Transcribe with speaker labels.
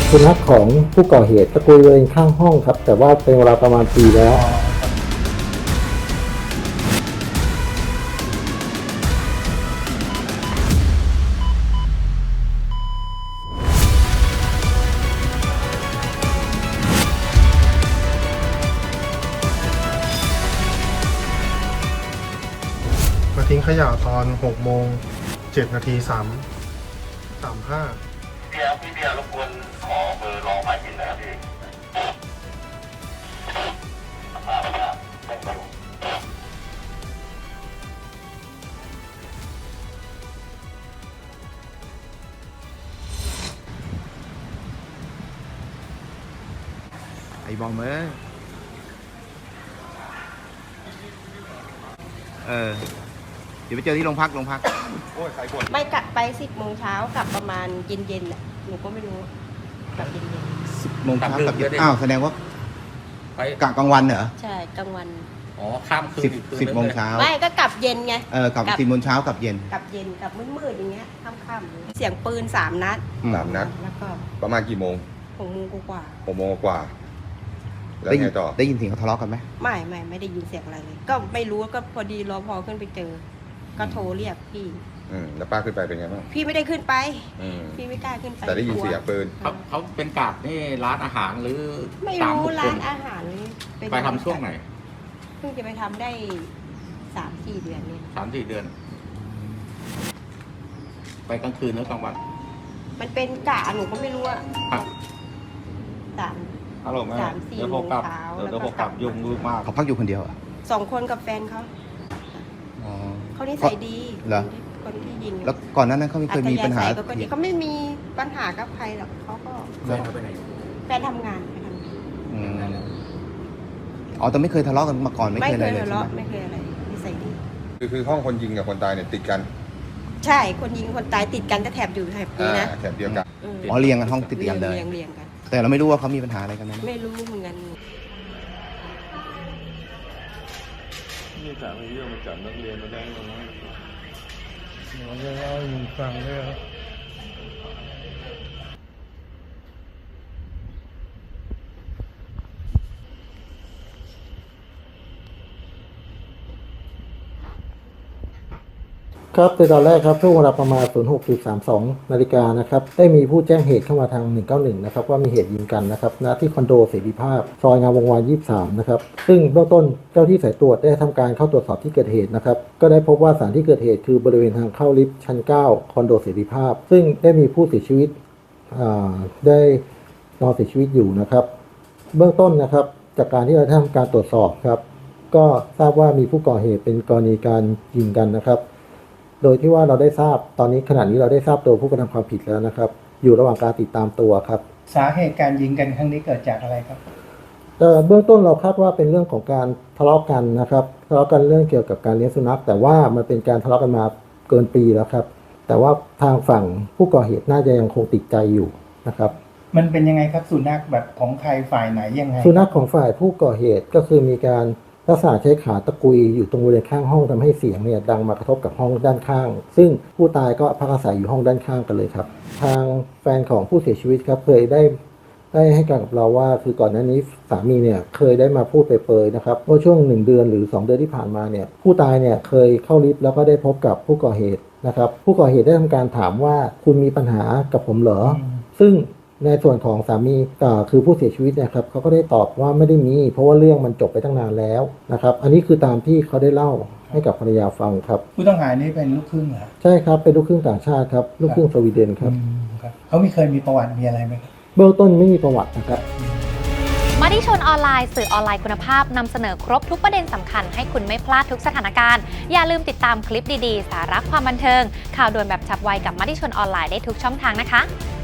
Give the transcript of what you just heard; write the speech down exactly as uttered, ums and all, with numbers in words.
Speaker 1: สุนัขของผู้ก่อเหตุตะกุยบริเวณข้างห้องครับแต่ว่าเป็นเวลาประมาณปีแล้ว
Speaker 2: มาทิ้งขยะตอนหกโมงเจ็ดนาทีสามสามห้า
Speaker 3: พี่ครับพี่เบียร์รบกวนขอเบอร์รองหมายบินนะครับพี่
Speaker 4: ไอ้บอมเอ้ยเออเดี๋ยวไปเจอที่โรงพักโรงพักโอ้ยใครบ่น
Speaker 5: ไม่กลับไปสิบโมงเช้ากลับประมาณเย็นเย็นๆน่ะหนูก็ไม่รู้กลับเย็นเย็น
Speaker 4: สิบโมงเช้ากับเย็นอ้าวแสดงว่า
Speaker 6: ไป
Speaker 4: กะกลางวันเหรอ
Speaker 5: ใช่กลางวัน
Speaker 6: อ๋อข้ามคืน
Speaker 4: สิบ
Speaker 6: อีกคืน
Speaker 4: สิบ
Speaker 6: นึ
Speaker 4: โมง
Speaker 6: เลย
Speaker 4: เช้า
Speaker 5: ไม่ก็กลับเย็นไง
Speaker 4: เออกลับ
Speaker 5: กลับ
Speaker 4: สิบโมงเช้ากับเย็น
Speaker 5: กลับเย็นกลับมืดๆอย่างเงี้ยค่ำๆเสียงปืนสามนัด
Speaker 7: สามนัด
Speaker 5: แล้วก็
Speaker 7: ประมาณกี่โมง
Speaker 5: หกโมงกว่า
Speaker 7: หกโมงกว่า แล้ว
Speaker 4: ได้ยิ
Speaker 7: ไง
Speaker 4: น
Speaker 7: ต่อ
Speaker 4: ได้ยินเสียงเขาทะเลาะกันไหม
Speaker 5: ๆไม่ไม่ไม่ได้ยินเสียงอะไรเลย ก็ไม่รู้ก็พอดีรอพอขึ้นไปเจอ ก็โทรเรียกพี่
Speaker 7: อืมแล้วป้าขึ้นไปเป็นไงบ้าง
Speaker 5: พี่ไม่ได้ขึ้นไป
Speaker 7: อืม
Speaker 5: พี่ไม่กล้าขึ้นไป
Speaker 7: แต่ได้ยิน
Speaker 5: กลัว
Speaker 7: เสียงปืน
Speaker 6: เขาเขาเป็นกาดนี่ร้านอาหารหรือ
Speaker 5: ไม่
Speaker 6: ตาม
Speaker 5: รู้
Speaker 6: บุคค
Speaker 5: ร้า
Speaker 6: ล
Speaker 5: นอาหารเป็น
Speaker 6: ไปทำช่วงไหน
Speaker 5: เพิ่งจะไปทำได้สามสี่เดือนเนี่ย
Speaker 6: สามสี่เดือน ไปกลางคืนหรือกลางวัน
Speaker 5: มันเป็นกะหนูก็ไม่รู้อะ
Speaker 6: ครับ
Speaker 5: สาม
Speaker 6: ฮัลโหลแม่
Speaker 5: สามสี่
Speaker 6: เดี๋ยว
Speaker 5: โม
Speaker 6: ผม
Speaker 5: ง
Speaker 6: กลับ
Speaker 5: เช้า
Speaker 6: เดี๋ยว
Speaker 5: แล้ว
Speaker 6: เดี๋ยว
Speaker 5: ก็
Speaker 6: ผมกลับ
Speaker 5: กลับ
Speaker 6: ยุ่งยุ่งมาก
Speaker 4: เขาพักอยู่คนเดียวเหรอ่ะ
Speaker 5: สองคนกับแฟนเขา
Speaker 4: อ๋อ
Speaker 5: เขานิสัยดี
Speaker 4: เหรอ
Speaker 5: คนที่ยิง
Speaker 4: แล้วก่อนหน้านั้นเขาไม่เคยมีปัญหา
Speaker 5: อัธยศัยก็ดีเขาไม่มีปัญหากับใครหรอกเขาก็
Speaker 6: แฟนเขาไปไหน
Speaker 5: แฟนทำงานไปทำงาน
Speaker 4: อืมอ๋อแต่ไม่เคยทะเลาะกันมาก่อนไม่
Speaker 5: ไม่
Speaker 4: เคย
Speaker 5: เค
Speaker 4: อะไร
Speaker 5: ย
Speaker 4: เลย
Speaker 5: ทะ
Speaker 4: ใช่
Speaker 5: เลาะ
Speaker 4: ไหม
Speaker 5: ไม่เคยอะไรนิสัยดี
Speaker 7: คือคือห้องคนยิงกับคนตายเนี่ยติดกัน
Speaker 5: ใช่คนยิงคนตายติดกันแต่แถบอยู่แถบนี้นะ
Speaker 7: อ่าแถบเดียวกัน
Speaker 5: เออ
Speaker 4: อ๋อเรียงกันห้องติดกันเลย
Speaker 5: เรียงเรียงกัน
Speaker 4: แต่เราไม่รู้ว่าเขามีปัญหาอะไรกันไหม
Speaker 5: ไม่รู้เหมือนกัน
Speaker 8: นี่ถามไอ้เรื่องมาจับนักเรียนมาได้ยังไง
Speaker 2: เราจะเล่าให้มึงฟังด้วยครับ
Speaker 1: ครับในตอนแรกครับช่วงเวลาประมาณ ศูนย์หกจุดสามสอง นาฬิกานะครับได้มีผู้แจ้งเหตุเข้ามาทาง หนึ่งเก้าหนึ่ง นะครับว่ามีเหตุยิงกันนะครับณที่คอนโดเสรีภาพซอยงามวงวาน ยี่สิบสาม นะครับซึ่งเบื้องต้นเจ้าที่สายตรวจได้ทำการเข้าตรวจสอบที่เกิดเหตุนะครับก็ได้พบว่าสถานที่เกิดเหตุคือบริเวณทางเข้าลิฟต์ชั้น เก้า คอนโดเสรีภาพ ซึ่งได้มีผู้เสียชีวิตได้นอนเสียชีวิตอยู่นะครับเบื้องต้นนะครับจากการที่เราได้ทำการตรวจสอบครับก็ทราบว่ามีผู้ก่อเหตุเป็นกรณีการยิงกันนะครับโดยที่ว่าเราได้ทราบตอนนี้ขณะนี้เราได้ทราบตัวผู้กระทำความผิดแล้วนะครับอยู่ระหว่างการติดตามตัวครับ
Speaker 9: สาเหตุการยิงกันครั้งนี้เกิดจากอะไรครับ
Speaker 1: เอ่อเบื้องต้นเราคาดว่าเป็นเรื่องของการทะเลาะกันนะครับทะเลาะกันเรื่องเกี่ยวกับการเลี้ยงสุนัขแต่ว่ามันเป็นการทะเลาะกันมาเกินปีแล้วครับแต่ว่าทางฝั่งผู้ก่อเหตุน่าจะยังคงติดใจอยู่นะครับ
Speaker 9: มันเป็นยังไงครับสุนัขแบบของใครฝ่ายไหนยังไง
Speaker 1: สุนัขของฝ่ายผู้ก่อเหตุก็คือมีการลักษณะใช้ขาตะกุยอยู่ตรงบริเวณข้างห้องทำให้เสียงเนี่ยดังมากระทบกับห้องด้านข้าง ซึ่งผู้ตายก็พักอาศัยอยู่ห้องด้านข้างกันเลยครับทางแฟนของผู้เสียชีวิตครับเคยได้ได้ให้การกับเราว่าคือก่อนหน้านี้สามีเนี่ยเคยได้มาพูดเปรยๆนะครับว่าช่วงหนึ่งเดือนหรือสองเดือนที่ผ่านมาเนี่ยผู้ตายเนี่ยเคยเข้าลิฟต์แล้วก็ได้พบกับผู้ก่อเหตุนะครับผู้ก่อเหตุได้ทำการถามว่าคุณมีปัญหากับผมเหรอซึ่งในส่วนของสามีคือผู้เสียชีวิตนะครับเขาก็ได้ตอบว่าไม่ได้มีเพราะว่าเรื่องมันจบไปตั้งนานแล้วนะครับอันนี้คือตามที่เขาได้เล่าให้กับภรรยาฟังครับ
Speaker 9: ผู้ต้องหานี่เป็นลูกครึ่งเหรอ
Speaker 1: ใช่ครับเป็นลูกครึ่งต่างชาติครับลูกครึ่งสวีเดนครับ
Speaker 9: อืมครับเขามีเคยมีประวัติมีอะไรไหมครับ
Speaker 1: เบื้องต้นไม่มีประวัตินะครับ
Speaker 10: มติชนออนไลน์สื่อออนไลน์คุณภาพนำเสนอครบทุกประเด็นสำคัญให้คุณไม่พลาดทุกสถานการณ์อย่าลืมติดตามคลิปดีๆสาระความบันเทิงข่าวด่วนแบบฉับไวกับมติชนออนไลน์ได้ทุกช่องทางนะคะ